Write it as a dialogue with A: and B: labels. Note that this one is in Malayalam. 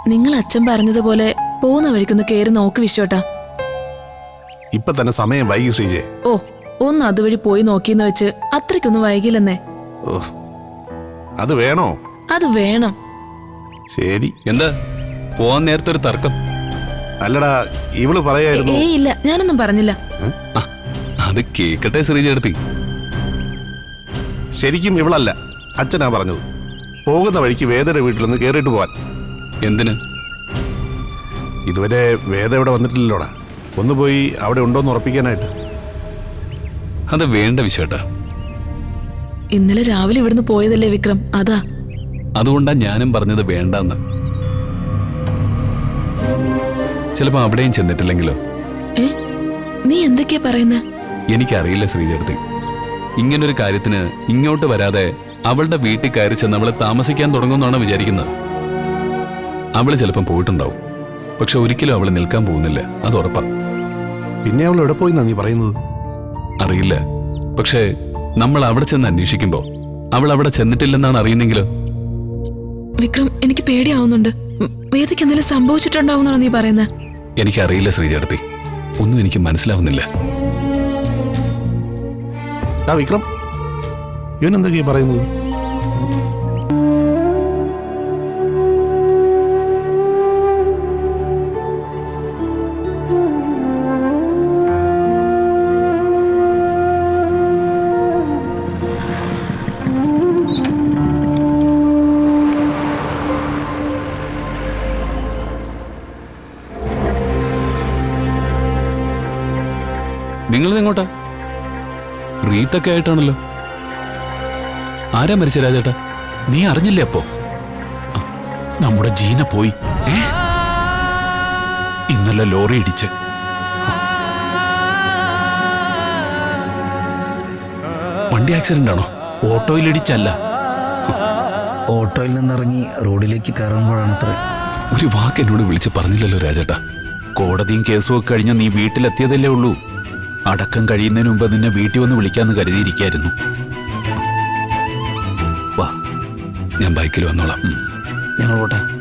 A: നിങ്ങൾ അച്ഛൻ പറഞ്ഞതുപോലെ പോകുന്ന വഴിക്കൊന്ന് കയറി നോക്ക് വിശ്വട്ടാ.
B: ഇപ്പൊ തന്നെ സമയം വൈകി ശ്രീജെ.
A: ഓ, ഒന്ന് അതുവഴി പോയി നോക്കിയെന്ന് വെച്ച് അത്രയ്ക്കൊന്നും വൈകില്ലെന്നേ.
B: ഓ, അത് വേണോ?
A: അത് വേണം.
B: ശരി.
C: എന്താ പോവാൻ നേരത്തെ ഒരു തർക്കം?
B: അല്ലടാ, ഇവള് പറയായിരുന്നു.
A: ഇല്ല, ഞാനൊന്നും പറഞ്ഞില്ല.
C: അത് കേക്കട്ടെ ശ്രീജേടത്തി.
B: ശരിക്കും ഇവളല്ല, അച്ഛനാ പറഞ്ഞത്. പോകുന്ന വഴിക്ക് വേദയുടെ വീട്ടിലൊന്ന് കേറിയിട്ട് പോവാൻ.
C: എന്തിന്?
B: ഇതുവരെ വേദ ഇവിടെ വന്നിട്ടില്ലല്ലോടാ. ഒന്ന് പോയി അവിടെ ഉണ്ടോന്ന് ഉറപ്പിക്കാനായിട്ട്.
C: അത് വേണ്ട വിശ്വട്ടാ.
A: ഇന്നലെ രാവിലെ ഇവിടുന്ന് പോയതല്ലേ വിക്രം, അതാ.
C: അതുകൊണ്ടാ ഞാനും പറഞ്ഞത് വേണ്ടെന്ന്. ചിലപ്പോ അവിടെയും ചെന്നിട്ടില്ലെങ്കിലോ?
A: നീ എന്തൊക്കെയാ പറയുന്നേ?
C: എനിക്കറിയില്ല ശ്രീജേടത്തി. ഇങ്ങനൊരു കാര്യത്തിന് ഇങ്ങോട്ട് വരാതെ അവളുടെ വീട്ടിൽ കയറി ചെന്ന് അവളെ താമസിക്കാൻ തുടങ്ങുമെന്നാണ് വിചാരിക്കുന്നത്. അവള് ചിലപ്പം പോയിട്ടുണ്ടാവും, പക്ഷെ ഒരിക്കലും അവള് നിൽക്കാൻ പോകുന്നില്ല, അത് ഉറപ്പാ.
B: പിന്നെ അവൾ എവിടെ പോയിന്നാ നീ പറയുന്നത്?
C: അറിയില്ല, പക്ഷേ നമ്മൾ അവിടെ ചെന്ന് അന്വേഷിക്കുമ്പോ അവൾ അവിടെ ചെന്നിട്ടില്ലെന്നാണ് അറിയുന്നെങ്കിലോ?
A: വിക്രം, എനിക്ക് പേടിയാവുന്നുണ്ട്. വേദയ്ക്ക് എന്തെങ്കിലും സംഭവിച്ചിട്ടുണ്ടാവുന്നാണോ നീ പറയുന്നത്?
C: എനിക്കറിയില്ല ശ്രീജേടത്തി, ഒന്നും എനിക്ക് മനസ്സിലാവുന്നില്ല.
B: വിക്രം, ഇവൻ എന്തൊക്കെയാ പറയുന്നത്?
C: നിങ്ങളിതെങ്ങോട്ടാ? റീത്തൊക്കെ ആയിട്ടാണല്ലോ. ആരാ മരിച്ച രാജേട്ടാ?
D: നീ അറിഞ്ഞില്ലേ? അപ്പോ നമ്മുടെ ജീന പോയി. ഇന്നലെ ലോറി ഇടിച്ച്.
C: വണ്ടി ആക്സിഡന്റ് ആണോ?
D: ഓട്ടോയിൽ ഇടിച്ചല്ല.
E: ഓട്ടോയിൽ നിന്നിറങ്ങി റോഡിലേക്ക് കയറുമ്പോഴാണത്ര.
C: ഒരു വാക്ക് എന്നോട് വിളിച്ച് പറഞ്ഞില്ലല്ലോ രാജേട്ടാ.
D: കോടതിയും കേസും ഒക്കെ കഴിഞ്ഞ നീ വീട്ടിലെത്തിയതല്ലേ ഉള്ളൂ. അടക്കം കഴിയുന്നതിന് മുമ്പ് നിന്നെ വീട്ടിൽ വന്ന് വിളിക്കാന്ന് കരുതിയിരിക്കായിരുന്നു.
C: വാ, ഞാൻ ബൈക്കിൽ വന്നോളാം.
E: ഞങ്ങൾ പോട്ടെ.